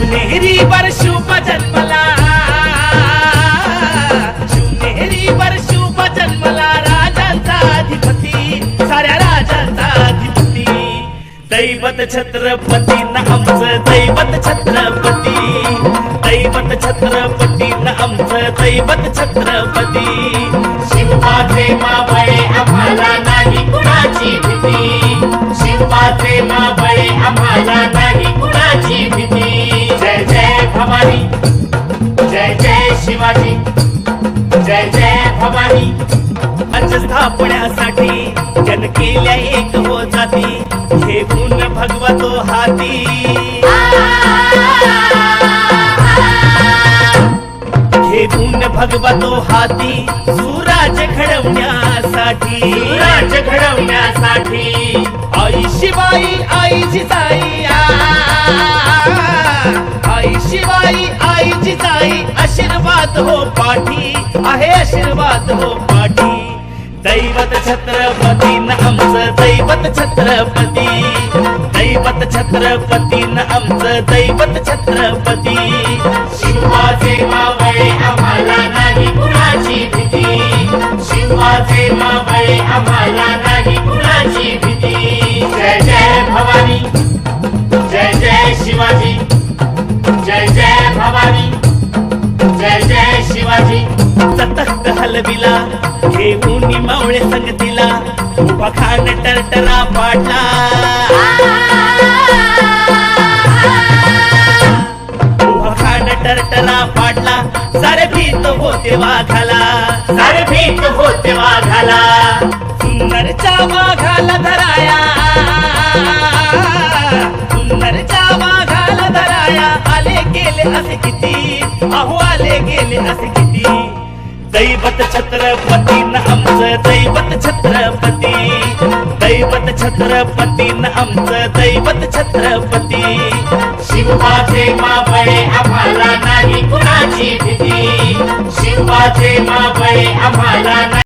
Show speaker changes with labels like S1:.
S1: शिवनेरीवर शुभ जन्मला, शिवनेरीवर शुभ जन्मला राजांचा अधिपती, साऱ्या राजांचा अधिपती. दैवत छत्रपती न आमचं दैवत छत्रपती, दैवत छत्रपती न आमचं दैवत छत्रपती.
S2: शिवाचे मावळे आम्हाला नाही कुणाची भीती, शिवाचे मावळे आम्हाला नाही कुणाची भीती. जय जय भवानी, जय जय शिवाजी, जय जय भवानी.
S1: पंच स्थापण्यासाठी जन केल्या एक हो जाती, घेऊन भगवतो हाती, घेऊन भगवतो हाती. सुराज घडवण्यासाठी,
S2: राज घडवण्यासाठी.
S1: आई शिवाई आई जिजाई, आई शिवाई आई जिजाई. आशीर्वाद हो पाठी, आहे आशीर्वाद हो पाठी. दैवत छत्रपती न आमचं दैवत छत्रपती, दैवत छत्रपती न आमचं दैवत छत्रपती.
S2: शिवाचे मावळे आम्हाला नाही कुणाची भीती, शिवाचे मावळे आम्हाला नाही कुणाची भीती. जय जय भवानी, जय जय शिवाजी, जय जय भवानी, जय जय शिवाजी.
S1: सतत हलविला घेऊन मावळे संगतीला, उभा खान टरटरा पाडला, उभा खान टरटरा पाडला. सारे भीत होते वाघाला,
S2: सारे भीत होते वाघाला.
S1: सुंदरच्या वाघाला धराया, सुंदरच्या वाघाला धराया. आले गेले असे किती, अहो आले गेले असे किती. दैवत छत्रपती न आमचं दैवत छत्रपती, दैवत छत्रपती न आमचं दैवत छत्रपती.
S2: शिवाचे मावळे आम्हाला नाही कुणाची भीती, शिवाचे मावळे आम्हाला